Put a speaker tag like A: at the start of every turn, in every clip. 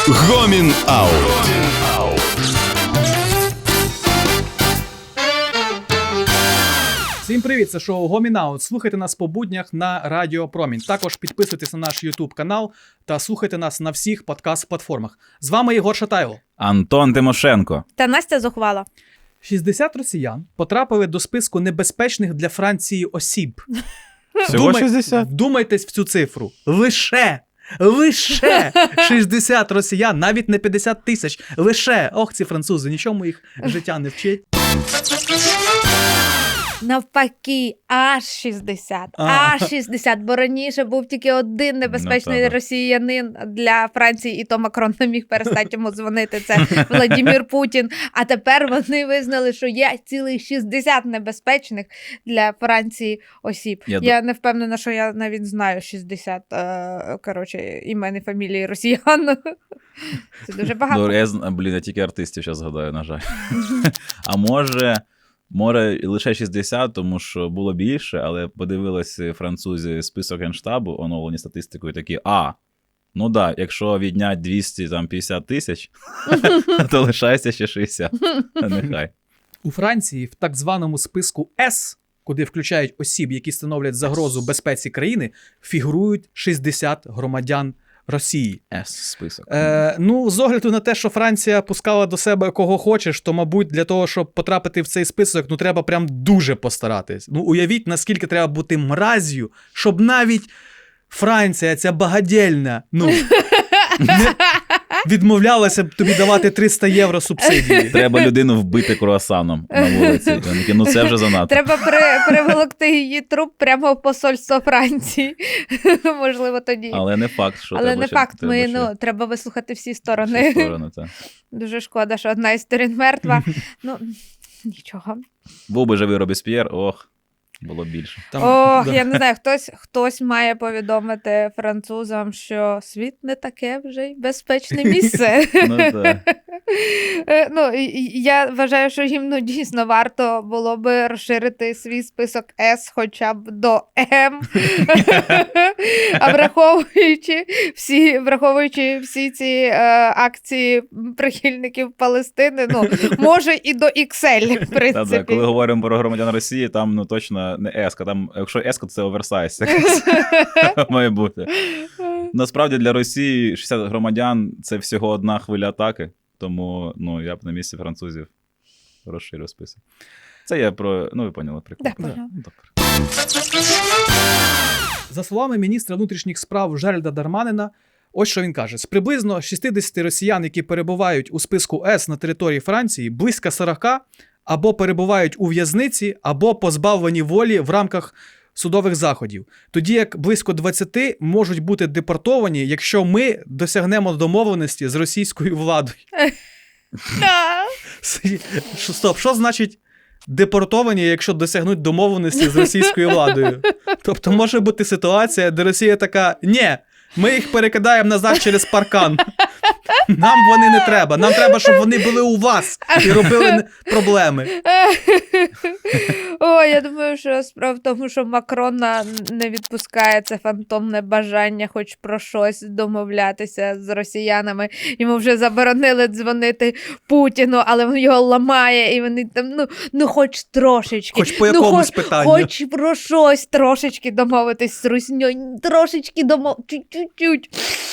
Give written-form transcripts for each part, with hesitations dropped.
A: Гомін Аут.
B: Всім привіт, це шоу Гомін Аут. Слухайте нас по буднях на Радіо Промінь. Також підписуйтесь на наш YouTube канал та слухайте нас на всіх подкаст-платформах. З вами Єгор Шатайло.
C: Антон Тимошенко.
D: Та Настя Зухвала.
B: 60 росіян потрапили до списку небезпечних для Франції осіб.
C: Всього 60?
B: Вдумайтесь в цю цифру. Лише 60 росіян, навіть не 50 тисяч. Лише. Ох, ці французи, нічому їх життя не вчить.
D: Навпаки, аж 60. Аж 60, бо раніше був тільки один небезпечний росіянин для Франції, і то Макрон не міг перестати йому дзвонити, це Владимир Путін. А тепер вони визнали, що є цілих 60 небезпечних для Франції осіб. Я не впевнена, що я навіть знаю 60, імен і фамілії росіян. Це дуже багато.
C: Я тільки артистів зараз згадаю, на жаль. А може, лише 60, тому що було більше, але подивилися французи список Генштабу, оновлені статистикою, такі, ну да, якщо віднять 250 тисяч, то лишається ще 60. Нехай.
B: У Франції в так званому списку С, куди включають осіб, які становлять загрозу безпеці країни, фігурують 60 громадян Росії.
C: Список.
B: З огляду на те, що Франція пускала до себе кого хочеш, то, мабуть, для того, щоб потрапити в цей список, треба прям дуже постаратись. Уявіть, наскільки треба бути мразю, щоб навіть Франція, ця багадільна, не відмовлялася б тобі давати 300 євро субсидії.
C: Треба людину вбити круасаном на вулиці. Це вже занадто.
D: Треба приволокти її труп прямо в посольство Франції. Можливо, тоді.
C: Але не факт, що
D: треба вислухати всі сторони.
C: Так.
D: Дуже шкода, що одна із сторін мертва. Нічого.
C: Був би живий Робесп'єр, було б більше.
D: Я не знаю, хтось має повідомити французам, що світ не таке вже й безпечне місце. Я вважаю, що їм дійсно варто було би розширити свій список С хоча б до М. А враховуючи всі ці акції прихильників Палестини, може і до XL, в принципі.
C: Коли говоримо про громадян Росії, там точно не еска, там, якщо еска, то це оверсайз. Має бути. Насправді для Росії 60 громадян – це всього одна хвиля атаки, тому я б на місці французів розширив список. Це я про, ви поняли, прикол.
B: За словами міністра внутрішніх справ Жеральда Дарманина, ось що він каже. З приблизно 60 росіян, які перебувають у списку С на території Франції, близько 40 або перебувають у в'язниці, або позбавлені волі в рамках судових заходів. Тоді як близько 20 можуть бути депортовані, якщо ми досягнемо домовленості з російською владою. Стоп, що значить депортовані, якщо досягнуть домовленості з російською владою? Тобто може бути ситуація, де Росія така, ні, ми їх перекидаємо назад через паркан. Нам вони не треба. Нам треба, щоб вони були у вас і робили проблеми.
D: Я думаю, що справа в тому, що Макрона не відпускає це фантомне бажання хоч про щось домовлятися з росіянами. Йому вже заборонили дзвонити Путіну, але він його ламає, і вони там, хоч трошечки.
B: Хоч по якомусь питанню.
D: Хоч про щось трошечки домовитись з Русньою. Трошечки чуть-чуть.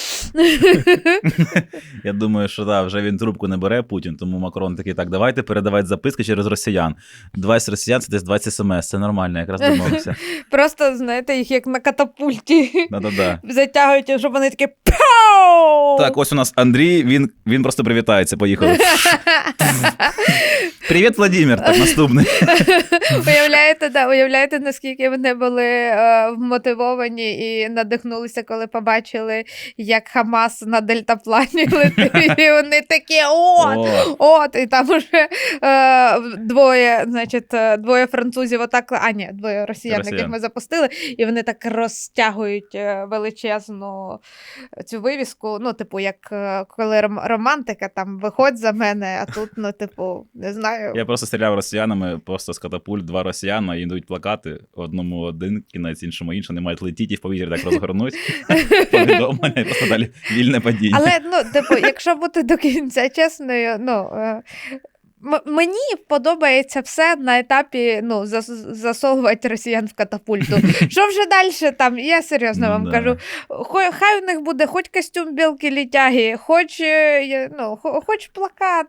C: Я думаю, що вже він трубку не бере, Путін, тому Макрон такий, давайте передавати записки через росіян. 20 росіян – це десь 20 смс, це нормально, якраз домовився.
D: Просто, знаєте, їх як на катапульті затягують, щоб вони такі пау!
C: Так, ось у нас Андрій, він просто привітається, поїхали. Привіт, Владимир, так, наступний.
D: Уявляєте, наскільки вони були вмотивовані і надихнулися, коли побачили, як Хамас на дельтаплані летить, і вони такі, і там уже двоє французів двоє росіян, яких ми запустили, і вони так розтягують величезну цю вивіску, списку, ну, типу, як коли романтика, там, виходь за мене, а тут, ну, типу, не знаю.
C: Я просто стріляв росіянами, просто з катапульт 2 росіяна, і йдуть плакати, одному один кінець, іншому інший, не мають летіти і в повітрі так розгорнуть. Повідомлення, і просто далі вільне падіння.
D: Але, ну, типу, якщо бути до кінця чесною, ну, мені подобається все на етапі, ну, засовувати росіян в катапульту. Що вже далі там, я серйозно вам кажу, хай у них буде хоч костюм білки-літяги, хоч плакат.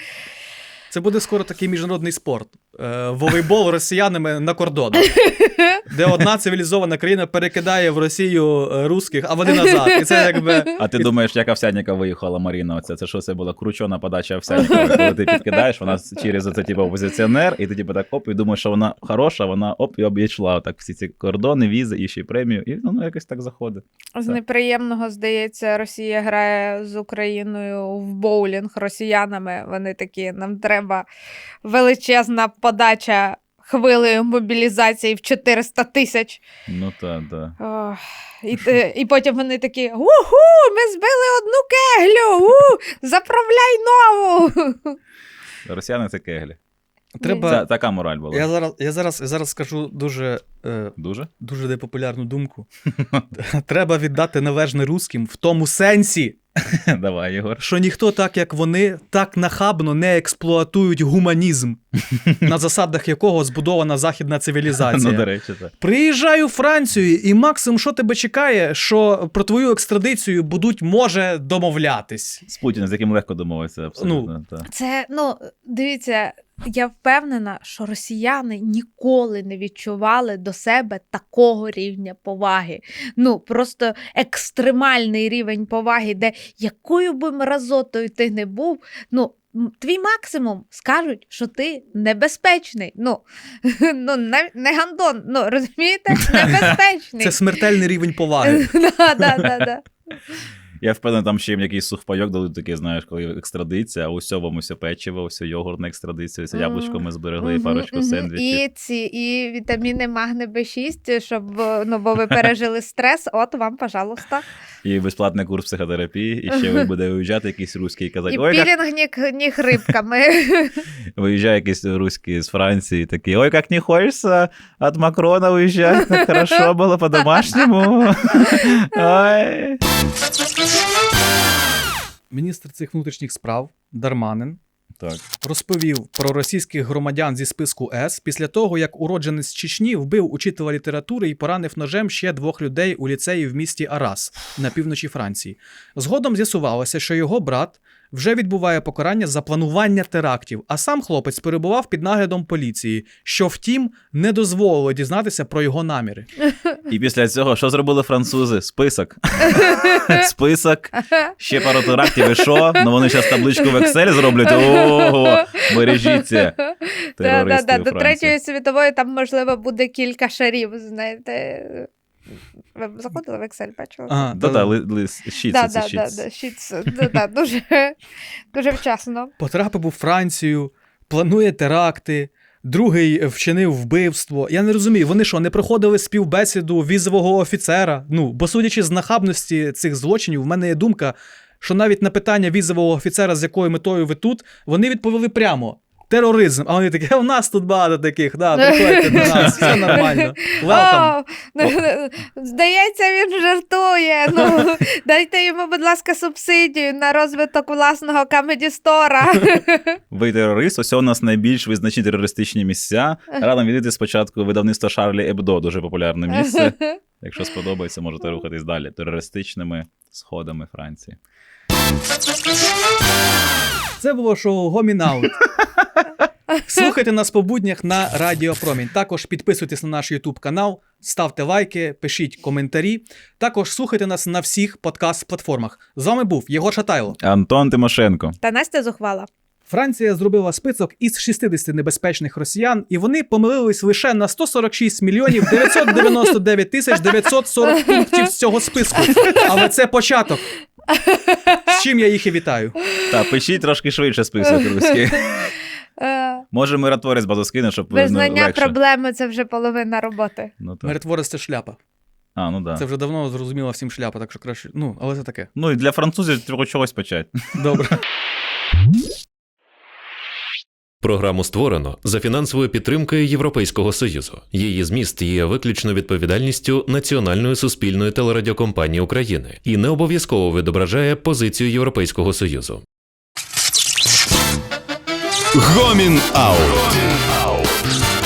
B: Це буде скоро такий міжнародний спорт. Волейбол росіянами на кордонах, де одна цивілізована країна перекидає в Росію русських, а вони назад. І це якби...
C: А ти думаєш, як Овсянніка виїхала Маріна? Оце? Це що, це була кручена подача Овсянніка? Коли ти підкидаєш, вона через це типу опозиціонер, і ти типу так оп, і думаєш, що вона хороша, вона оп, і обійшла так всі ці кордони, візи, і ще й премію, і ну якось так заходить.
D: З неприємного, здається, Росія грає з Україною в боулінг росіянами. Вони такі, нам треба величезна подача хвилею мобілізації в 400 тисяч.
C: Ну так.
D: І потім вони такі, уху, ми збили одну кеглю, заправляй нову.
C: Росіяни це кеглі.
B: Треба...
C: Така мораль була.
B: Я зараз скажу дуже непопулярну думку. Треба віддати належне русським в тому сенсі,
C: Давай, Єгор.
B: що ніхто так, як вони, так нахабно не експлуатують гуманізм, на засадах якого збудована західна цивілізація.
C: Ну, до речі, так.
B: Приїжджаю у Францію, і максимум, що тебе чекає, що про твою екстрадицію будуть, може, домовлятись.
C: З Путіним, з яким легко домовитися, абсолютно.
D: Це, дивіться, я впевнена, що росіяни ніколи не відчували до себе такого рівня поваги. Просто екстремальний рівень поваги, де якою би мразотою ти не був, твій максимум скажуть, що ти небезпечний. Не гандон, розумієте? Небезпечний.
B: Це смертельний рівень поваги.
D: Да.
C: Я впевнений, там ще їм якийсь сухпайок дадуть такий, знаєш, коли екстрадиція, а усе вам усе печиво, усе йогурт на екстрадицію, це яблучко ми зберегли, і парочку сендвічів.
D: І вітаміни магне Б6, щоб, бо ви пережили стрес, от вам, пожалуйста.
C: І безплатний курс психотерапії, і ще ви буде виїжджати якийсь руський і казати,
D: і пілінг ніг рибками.
C: Виїжджає якийсь руський з Франції, такий, ой, як не хочеться від Макрона виїжджати, так хорошо було по-домашньому. Ой.
B: Міністр цих внутрішніх справ Дарманин
C: Так.
B: розповів про російських громадян зі списку С після того, як уродженець Чечні вбив учителя літератури і поранив ножем ще 2 людей у ліцеї в місті Арас на півночі Франції. Згодом з'ясувалося, що його брат вже відбуває покарання за планування терактів, а сам хлопець перебував під наглядом поліції, що, втім, не дозволило дізнатися про його наміри.
C: І після цього, що зробили французи? Список. Список. Ще пару терактів і що? Ну вони зараз табличку в Excel зроблять. Ого, бережіться. Терористи у
D: До
C: Франції.
D: Третьої світової там, можливо, буде кілька шарів, знаєте. Ви заходили в Excel, бачили?
C: Щіц.
D: Дуже вчасно.
B: Потрапив у Францію, планує теракти, другий вчинив вбивство. Я не розумію, вони що, не проходили співбесіду візового офіцера? Бо судячи з нахабності цих злочинів, в мене є думка, що навіть на питання візового офіцера, з якою метою ви тут, вони відповіли прямо. Тероризм. А вони такі, у нас тут багато таких, приходьте до нас, все нормально. Welcome.
D: Здається, він жартує. Дайте йому, будь ласка, субсидію на розвиток власного камеді-стора.
C: Ви терорист, ось у нас найбільш визначні терористичні місця. Радо відвідати спочатку видавництво Шарлі Ебдо, дуже популярне місце. Якщо сподобається, можете рухатись далі терористичними сходами Франції.
B: Це було шоу Гомінаут. Слухайте нас по буднях на Радіо Промінь. Також підписуйтесь на наш YouTube канал, ставте лайки, пишіть коментарі. Також слухайте нас на всіх подкаст-платформах. З вами був Єгор Шатайло.
C: Антон Тимошенко.
D: Та Настя Зухвала.
B: Франція зробила список із 60 небезпечних росіян, і вони помилились лише на 146 мільйонів 999 тисяч 940 пунктів з цього списку. Але це початок. З чим я їх і вітаю.
C: Так, пишіть трошки швидше список руський. Може миротворець базу скине, щоб
D: визнання
C: легше.
D: Проблеми – це вже половина роботи.
B: Миротворець – це шляпа.
C: Ну да.
B: Це вже давно зрозуміла всім шляпа, так що краще. Ну, але це таке.
C: Ну і для французів треба чогось почати.
B: Добре.
A: Програму створено за фінансовою підтримкою Європейського Союзу. Її зміст є виключно відповідальністю Національної суспільної телерадіокомпанії України і не обов'язково відображає позицію Європейського Союзу.
E: Гомін Аут.